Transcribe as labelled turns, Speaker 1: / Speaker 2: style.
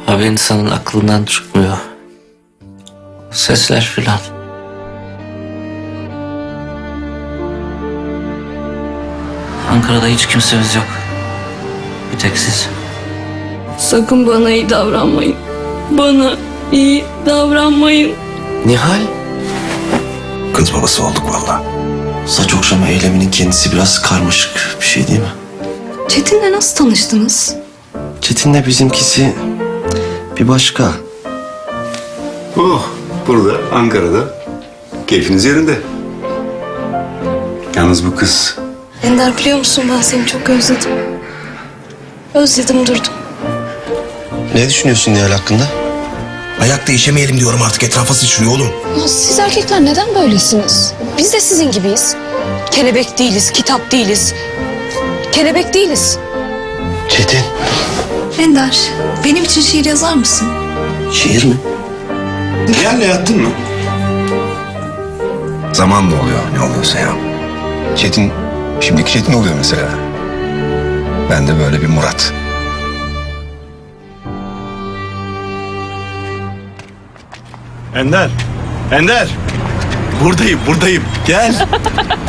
Speaker 1: Abi insanın aklından çıkmıyor. Sesler filan. Ankara'da hiç kimsemiz yok. Bir tek siz.
Speaker 2: Sakın bana iyi davranmayın. Bana iyi davranmayın.
Speaker 1: Nihal?
Speaker 3: Kız babası olduk vallahi.
Speaker 4: Saç okşama eyleminin kendisi biraz karmaşık bir şey değil mi?
Speaker 2: Çetin'le nasıl tanıştınız?
Speaker 4: Çetin'le bizimkisi bir başka.
Speaker 3: Oh, burada Ankara'da keyfiniz yerinde. Yalnız bu kız
Speaker 2: Ender, biliyor musun, ben seni çok özledim. Özledim durdum.
Speaker 4: Ne düşünüyorsun Nihal hakkında?
Speaker 5: Ayak değişemeyelim diyorum artık, etrafa sıçrıyor oğlum.
Speaker 6: Ya siz erkekler neden böylesiniz? Biz de sizin gibiyiz. Kelebek değiliz, kitap değiliz. Kelebek değiliz.
Speaker 4: Çetin.
Speaker 2: Ender, benim için şiir yazar mısın?
Speaker 4: Şiir mi?
Speaker 3: Nihal'le yattın mı?
Speaker 5: Zamanla oluyor ne oluyorsa ya. Çetin, şimdiki Çetin oluyor mesela. Ben de böyle bir Murat.
Speaker 3: Ender. Ender. Buradayım. Gel.